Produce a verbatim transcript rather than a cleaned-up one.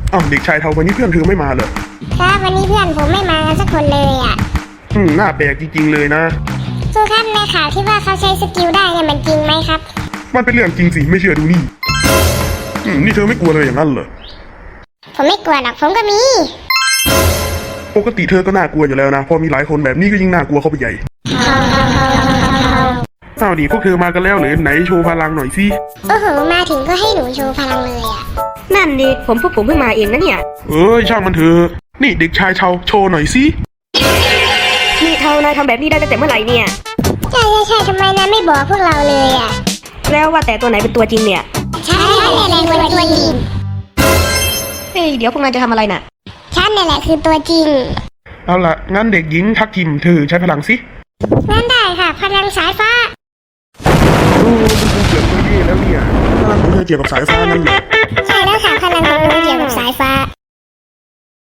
อ้าวเด็กชายเทาวันนี้เพื่อนเธอไม่มาเหรอครับวันนี้เพื่อนผมไม่มากันสักคนเลยอ่ะอืมน่าแปลกจริงๆเลยนะครูครับในข่าวที่ว่าเขาใช้สกิลได้เนี่ยมันจริงไหมครับมันเป็นเรื่องจริงสิไม่เชื่อดูนี่อืมนี่เธอไม่กลัวเลยอย่างนั้นเหรอผมไม่กลัวหรอกผมก็มีปกติเธอก็น่ากลัวอยู่แล้วนะพอมีหลายคนแบบนี้ก็ยิ่งน่ากลัวเข้าไปใหญ่อ้าวดิพวกเธอมากันแล้วหรือไหนโชว์พลังหน่อยสิโอ้โหมาถึงก็ให้หนูโชว์พลังเลยอ่ะนั่นดิผมพวกผมเพิ่งมาเองนะเนี่ยเอ้ยช่างมันเถอะนี่เด็กชายเทาโชว์หน่อยสินี่เทานายทำแบบนี้ได้ตั้งแต่เมื่อไหร่เนี่ยใช่ใช่ใช่ทำไมนายไม่บอกพวกเราเลยอ่ะแล้วว่าแต่ตัวไหนเป็นตัวจริงเนี่ยฉันนี่แหละตัวจริงเฮ้ยเดี๋ยวพวกนายจะทำอะไรน่ะฉันนี่แหละคือตัวจริงเอาล่ะงั้นเด็กหญิงทักทิมเธอใช้พลังสิงั้นได้ค่ะพลังสายฟ้าโอ้มันคงเกือบไม่ดีแล้วเนี่ยพลังของเธอเกี่ยวกับสายฟ้านั่นเหรอใช่แล้วค่ะพลังของหนูเกี่ยวกับสายฟ้า